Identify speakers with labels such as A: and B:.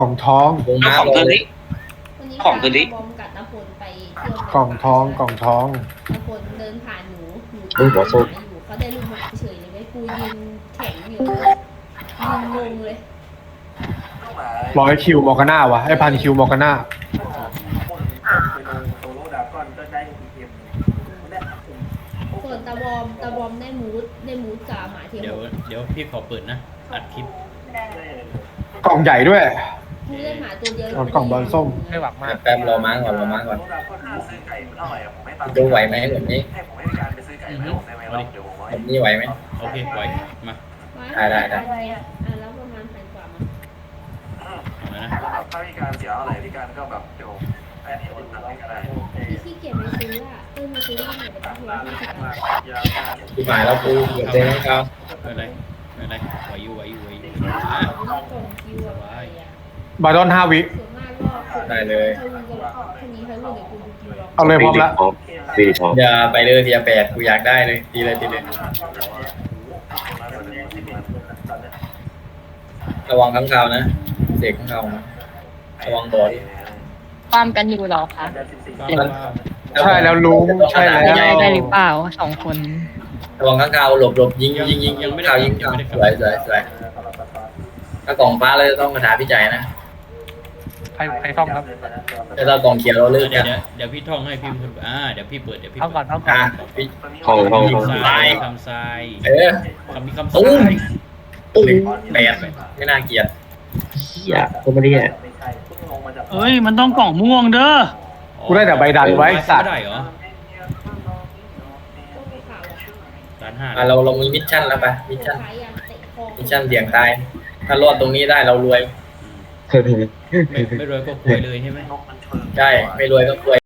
A: ของท้อง
B: วง
C: เอา
B: ม้า
C: ของ
B: ล
C: คื
B: ง
C: นนี้
D: วันนี้
C: ของคืนนี้
D: บอมกับนพลไปเที่ยว
A: กล่องท้องกล่องท้อง
D: นพลเดินผ่านหนูตี
E: อุ้ยหัวส้ม
D: หมาอยู่เขาได้ลูกหมาเฉยเลยไว้กูยืนแข็งอยู่ยืนงงเลย
A: ร้อยคิวมอร์กาน่าวะไอ้พันคิวมอร์กาน่า
D: ส่วนตาบอมได้มูดกับหมาเทียม
F: เดี๋ยวพี่ขอเปิดนะ อัดคลิป
A: กล่องใหญ่ด้วย
D: มูดได้หมาตัวเดียว
A: กล่องบอลส้ม
G: ไม่หวังมาก
B: แป๊บรอม้าก่อนรอม้าก่อนดูไหวไหมแบบนี้
F: อือฮึเอาดิ
B: แบบนี้ไหวไหม
F: โอเคไหวมา
B: ได้
D: อ่ะแล้วประมาณพันกว่ามั้ง
F: เอามานะ
H: ถ้ามีการเสียอะไรพี่การก็แบบเดี๋ยวไอ้นี่คนทำให้ก็ได้
D: พี่ขี้เกียจไปซื้ออ่ะมาซื้อที่ไหนไปตั้งร้อยห้าสิบบาท
B: ที่หมายแล้วกูเกือบเจอน้องเขา
F: ไม่เป็นไรไม่เป็นไรไหวอยู่
D: ก
F: อ่ะ
D: ล่องคิวอะไปอ่ะ
A: บาดอน5 วิ
D: ส่วนมากก็ถ้ามีเขารุ่นเดี๋ยวกูดูกินลอง
A: เอาเลยพร้อมละ
E: ฟีดพร้อม
B: อย่าไปเลยเทียแปดกูอยากได้เลยตีเลยระวังข้างคาวนะเสกข้างคาวนะระวังบอด
I: ความกันอยู่เหรอคะ
A: ใช่แล้วลุงใช่แล้ว
I: ได้หรือเปล่าสองคน
B: ระวังข้างคาวหลบยิงข่าวยิงข่าวสวยถ้ากล่องฟ้าเราจะต้องคาถาพิจัยนะ
G: ใครท่องครับ
B: แต่ถ้ากล่องเขียวเราเลิก
F: เดี๋
B: กั
F: ยวน เดี๋ยวพี่ท่องให้พี่คนเดี๋ยวพี่เปิดเดี๋ยวพี่
G: ท่องก่อนท่องก่อ
B: อ่ะ
G: น
B: พี่
E: ห้อง
F: ทรายคำทราย
B: เออ
F: คำมีคำท
B: ตุ้
F: ราม ย
B: ตุ้มแปดไม่น่าเกลียด
E: เฮียก็ไม่ได้แย่
G: เอ้ยมันต้องกล่องม่วงเด้อ
A: กูได้แต่ใบดันไว้สัตว์
F: ได้เหรอ
D: ก็ไปข่าวอะ
F: ร้านห้า
B: เรามีมิชชั่นแล้วปะมิชชั่น
D: ขายยาเตะคอ
B: มิชชั่นเสี่ยงตาย ถ้ารอดตรงนี้ได้เรารวย
F: ไม่รวยก็ป่วยเลยใช่ไหม
B: ใช่ ไม่รวยก็รวย